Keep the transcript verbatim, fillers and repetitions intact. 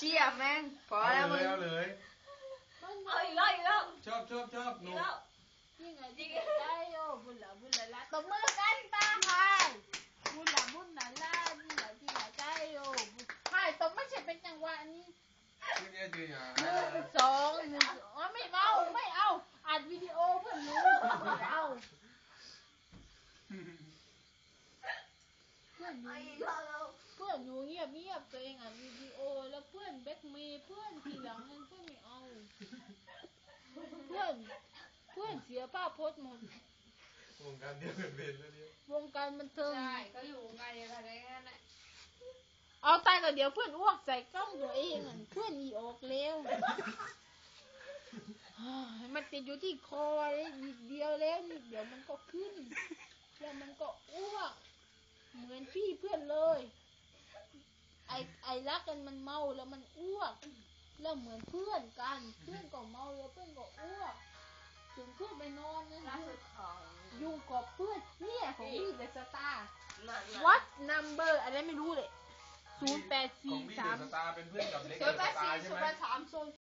ชียแม่งพอแล้วมึงเอาเลยเอาอีกแล้วอีกแล้วชอบชอบชอบหอีนูกแล้วยิ่งไงยิ่งได้โอ้บุญละบุญละละตบมือกันตาใครบุญละบุญละละยิ่งละยิ่งละได้โอ้ใช่ตบไม่ใช่เป็นจังหวะนี้ไม่ได้จริงอ่ะหนึ่งสองหนึ่งอ๋อไม่เอาไม่เอาอัดวิดีโอเพื่อนรู้ไม่เอาเพื่อนอยู่เอาอีกแล้วแล้วเพื่อนอยู่เงียบเงียบตัวเองอัดวิดีโอแล้วเพื่อนแบ็คเมย์เพื่อนทีหลังนั้นเพื่อนไม่เอาเพื่อนเพื่อนเสียภาพพจน์หมดวงการเดียวกันเป็นแล้วเนี่ยวงการบันเทิงใช่ก็อยู่วงการเดียวกันได้แค่นั้นเอาตายก็เดี๋ยวเพื่อนอ้วกใส่กล้องตัวเองอ่ะเพื่อนอีออกเร็วมันติดอยู่ที่คอเลยนิดเดียวแล้วนิดเดียวมันก็ขึ้นแล้วมันก็อ้วกเหมือนพี่เพื่อนเลยไอไอรักกันมันเมาแล้วมันอ้วกแล้วเหมือนเพื่อนกันเพื่อนก็เมาแล้วเพื่อนก็อ้วกถึงเพื่อนไปนอนนะล่าสุดของยุ่งกับเพื่อนเนี่ยของพี่เดอะสตาร์นั่น what number อะไรไม่รู้เลยศูนย์แปดขอสี่งพี่สามเดอะสตาร์เป็นเพื่อนกับเล็กศูเดนย์แปอะดสตาสี่ร์ใช่ศูนไหมย์แปดสามศูนย์